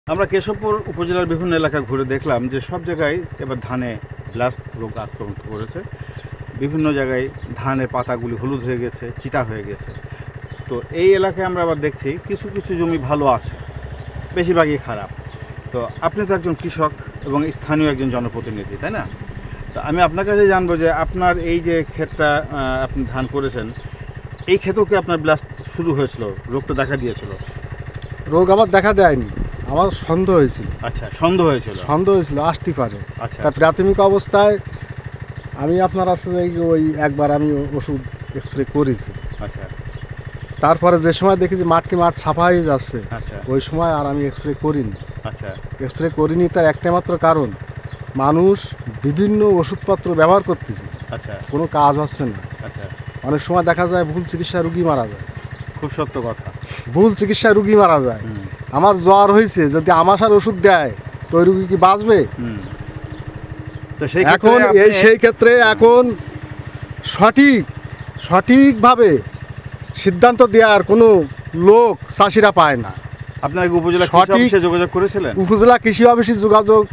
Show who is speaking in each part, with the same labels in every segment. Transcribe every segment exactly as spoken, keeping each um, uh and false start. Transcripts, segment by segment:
Speaker 1: আমরা কেশবপুর উপজেলার বিভিন্ন এলাকা ঘুরে দেখলাম যে সব জায়গায় এবার ধানে ব্লাস্ট রোগ আক্রমণ করেছে। বিভিন্ন জায়গায় ধানের পাতাগুলি হলুদ হয়ে গেছে, চিটা হয়ে গেছে। তো এই এলাকায় আমরা আবার দেখছি কিছু কিছু জমি ভালো আছে, বেশিরভাগই খারাপ। তো আপনি তো একজন কৃষক এবং স্থানীয় একজন জনপ্রতিনিধি, তাই না? তো আমি আপনার কাছে জানবো যে আপনার এই যে ক্ষেতটা আপনি ধান করেছেন, এই ক্ষেতেও কি আপনার ব্লাস্ট শুরু হয়েছিল, রোগটা দেখা দিয়েছিল?
Speaker 2: রোগ আমার দেখা দেয়নি, আমার সন্দেহ হয়েছিল।
Speaker 1: আচ্ছা, সন্দেহ হয়েছিল?
Speaker 2: সন্দেহ হয়েছিল আসতে পারে।
Speaker 1: আচ্ছা,
Speaker 2: তা প্রাথমিক অবস্থায় আমি আপনার আছে ওই একবার আমি ওষুধ স্প্রে করেছি।
Speaker 1: আচ্ছা,
Speaker 2: তারপরে যে সময় দেখি যে মাঠকে মাঠ সাফা হয়ে যাচ্ছে,
Speaker 1: আচ্ছা,
Speaker 2: ওই সময় আর আমি স্প্রে করিনি।
Speaker 1: আচ্ছা,
Speaker 2: স্প্রে করিনি তার একটা মাত্র কারণ, মানুষ বিভিন্ন ওষুধপত্র ব্যবহার করতেছে,
Speaker 1: আচ্ছা,
Speaker 2: কোনো কাজ হচ্ছে না।
Speaker 1: আচ্ছা,
Speaker 2: অনেক সময় দেখা যায় ভুল চিকিৎসায় রুগী মারা যায়।
Speaker 1: খুব সত্য কথা।
Speaker 2: ভুল চিকিৎসায় রুগী মারা যায়। আমার জ্বর হয়েছে, যদি আমাশার ওষুধ দেয় তো ওই রুগী কি বাঁচবে?
Speaker 1: তো সেই
Speaker 2: এখন এই সেই ক্ষেত্রে এখন সঠিক সঠিকভাবে সিদ্ধান্ত দেওয়ার কোনো লোক চাষিরা পায় না।
Speaker 1: আপনার উপজেলা কৃষি অফিসে যোগাযোগ করেছিলেন?
Speaker 2: উপজেলা কৃষি অফিসে যোগাযোগ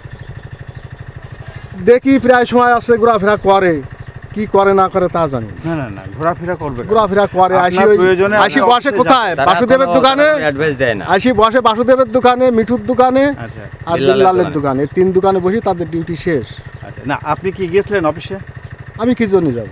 Speaker 2: দেখি প্রায় সময় আছে, ঘোরাফেরা করে, কি করে না করে তা জানি
Speaker 1: না। না না ঘোরাফেরা করবে,
Speaker 2: ঘোরাফেরা করে। আসি আসি বসে কোথায়? বাসুদেবের দোকানে আসি বসে, বাসুদেবের দোকানে, মিঠুর দোকানে আর বিল্লালের দোকানে, তিন দোকানে বসে তাদের ডিউটি শেষ।
Speaker 1: আচ্ছা, না আপনি কি গেছিলেন অফিসে?
Speaker 2: আমি কি জন্য যাব?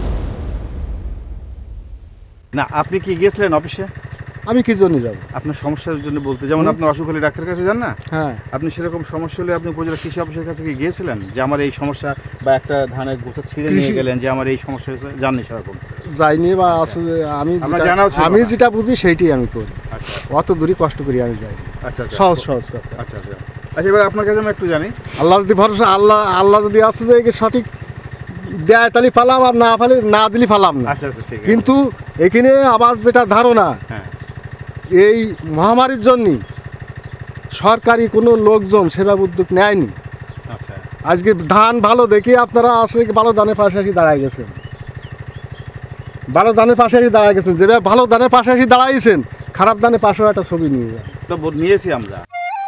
Speaker 1: না আপনি কি গেছিলেন অফিসে?
Speaker 2: আমি কি জন্য যাব?
Speaker 1: আপনার সমস্যার জন্য বলতে, যেমন আপনি অসুখ হলে ডাক্তারের কাছে যান না?
Speaker 2: হ্যাঁ।
Speaker 1: আপনি সেরকম সমস্যা হলে আপনি উপজেলা কৃষি অফিসের কাছে কি গিয়েছিলেন যে আমার এই সমস্যা, বা একটা ধানের গোছা ছিঁড়ে নিয়ে গেলেন যে আমার এই সমস্যা হয়েছে? জাননি সেরকম?
Speaker 2: যাইনি, বা আসলে আমি আমি যেটা বুঝি সেইটাই আমি করি।
Speaker 1: আচ্ছা,
Speaker 2: অত দূরই কষ্ট করি আমি যাই।
Speaker 1: আচ্ছা,
Speaker 2: সহজ সহজ কথা।
Speaker 1: আচ্ছা আচ্ছা আচ্ছা এবার আপনার কাছে আমি একটু জানি,
Speaker 2: আল্লাহ যদি ভরসা, আল্লাহ আল্লাহ যদি আসে যে সঠিক দেয় তাহলে ফালাম, আর না ফালে না দিলে ফালাম না।
Speaker 1: আচ্ছা আচ্ছা ঠিক আছে।
Speaker 2: কিন্তু এখানে আবার যেটা ধারণা, এই মহামারীর জন্য সরকারি কোনো লোকজন সেবা উদ্যোগ নেয়নি।
Speaker 1: আচ্ছা,
Speaker 2: আজকে ধান ভালো দেখে আপনারা আসলে ভালো ধানের পাশাপাশি দাঁড়ায় গেছেন, ভালো ধানের পাশাপাশি দাঁড়ায় গেছেন। যেভাবে ভালো ধানের পাশাপাশি দাঁড়াইছেন, খারাপ ধানের পাশেও একটা ছবি নিয়ে যান।
Speaker 1: তো নিয়েছি আমরা।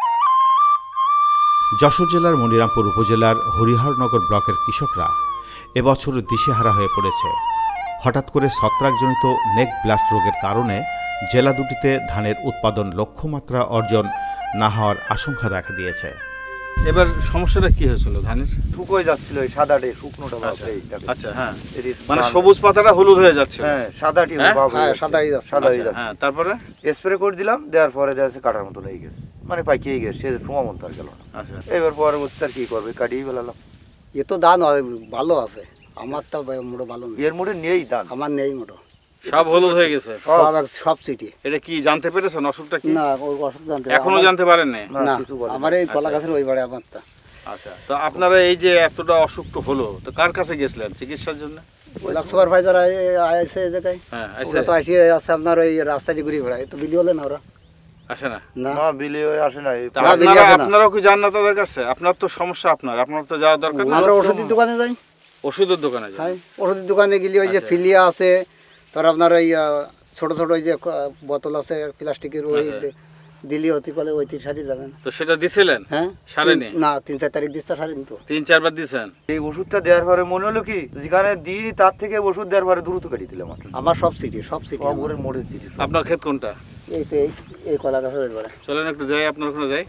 Speaker 3: যশোর জেলার মনিরামপুর উপজেলার হরিহরনগর ব্লকের কৃষকরা এবছর দিশেহারা হয়ে পড়েছে। হঠাৎ করে ছত্রাকজনিত নেক ব্লাস্ট রোগের কারণে জেলা দুটিতে ধানের উৎপাদন লক্ষ্যমাত্রা অর্জন না হওয়ার আশঙ্কা দেখা দিয়েছে।
Speaker 1: এবার সমস্যাটা কি হয়েছিল? ধানের
Speaker 4: শুকোয় যাচ্ছিল, এই সাদাটে শুকনোটা ভাব।
Speaker 1: আচ্ছা, হ্যাঁ, মানে সবুজ পাতাটা হলুদ হয়ে যাচ্ছে।
Speaker 4: হ্যাঁ, সাদাটি ভাব, হ্যাঁ সাদা হয়ে যাচ্ছে, সাদা হয়ে যাচ্ছে।
Speaker 1: হ্যাঁ, তারপরে
Speaker 4: স্প্রে করে দিলাম, দেওয়ার পরে দেখা যাচ্ছে কাটার মতো লেগে গেছে, মানে পাইকেই গেছে, সে সময় মতো আর গেল না।
Speaker 1: আচ্ছা,
Speaker 4: এবার পরবর্তী আর কি করবে, কাটিয়ে ফেলালাম।
Speaker 5: এ তো ধান ভালো আছে, আমার তো মোটো ভালো নেই।
Speaker 4: এর মোটে নেই ধান,
Speaker 5: আমার নেই মোটো,
Speaker 1: সব হলুদ হয়ে গেছে,
Speaker 5: সব সব চিঠি।
Speaker 1: এটা কি জানতে পেরেছেন অসুখটা কি?
Speaker 5: না, ওই অসুখ জানতে
Speaker 1: এখনো জানতে পারেন না?
Speaker 5: না, আমার এই কলা গাছের ওই বাড়ি আমার।
Speaker 1: আচ্ছা, তো আপনারা এই যে এতটা অসুখ তো হলো, তো কার কাছে গেছিলেন চিকিৎসার জন্য?
Speaker 5: সুপারভাইজার আইসে এই জায়গায়।
Speaker 1: হ্যাঁ,
Speaker 5: ওরা তো আসি আছে আপনার ওই রাস্তা দিয়ে ঘুরে বেড়ায়, তো বিলি হলে না ওরা
Speaker 1: আসে না?
Speaker 4: না, বিলি আসে না।
Speaker 1: আপনারা আপনারাও কি যান না তাদের কাছে? আপনার তো সমস্যা, আপনার আপনার তো যাওয়ার দরকার না?
Speaker 5: আমরা ওষুধের দোকানে যাই।
Speaker 1: ওষুধের দোকানে যাই?
Speaker 5: হ্যাঁ, ওষুধের দোকানে গেলে ওই যে ফিলিয়া আছে, তার আপনার ওই ছোট ছোট ওই যে বোতল আছে প্লাস্টিকের, ওই দিল্লি অতি কলে ওই তিন সারি যাবেন।
Speaker 1: তো সেটা দিছিলেন?
Speaker 5: হ্যাঁ,
Speaker 1: সারেনি?
Speaker 5: না, তিন চার তারিখ দিচ্ছে সারেনি তো।
Speaker 1: তিন চারবার দিছেন?
Speaker 4: এই ওষুধটা দেওয়ার পরে মনে হলো কি, যেখানে দিই তার থেকে ওষুধ দেওয়ার পরে দ্রুত কাটিয়ে দিলাম।
Speaker 5: আমার সব সিটি, সব সিটি
Speaker 4: ওপরের মোড়ের সিটি।
Speaker 1: আপনার ক্ষেত কোনটা?
Speaker 5: এই তো এই কলা গাছের ওই বেড়া।
Speaker 1: চলেন একটু যাই, আপনার ওখানে যাই।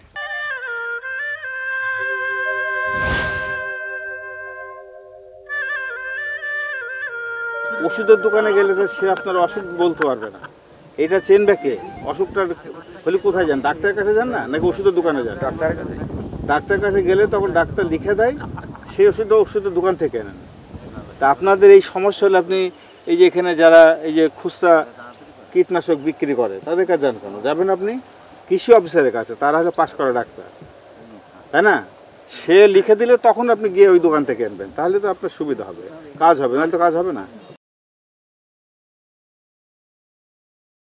Speaker 1: ওষুধের দোকানে গেলে তো সে আপনার অসুখ বলতে পারবে না, এটা চেনবে কে? অসুখটা হলে কোথায় যান? ডাক্তারের কাছে যান না, নাকি ওষুধের দোকানে যান?
Speaker 4: ডাক্তারের কাছে।
Speaker 1: ডাক্তারের কাছে গেলে তখন ডাক্তার লিখে দেয়, সেই ওষুধটা ওষুধের দোকান থেকে নেন। তা আপনাদের এই সমস্যা হলে আপনি এই যে এখানে যারা এই যে খুচরা কীটনাশক বিক্রি করে তাদের কাছে যান কেন? যাবেন আপনি কৃষি অফিসারের কাছে, তারা হলো পাশ করা ডাক্তার, তাই না? সে লিখে দিলে তখন আপনি গিয়ে ওই দোকান থেকে আনবেন, তাহলে তো আপনার সুবিধা হবে, কাজ হবে, নাহলে তো কাজ হবে না।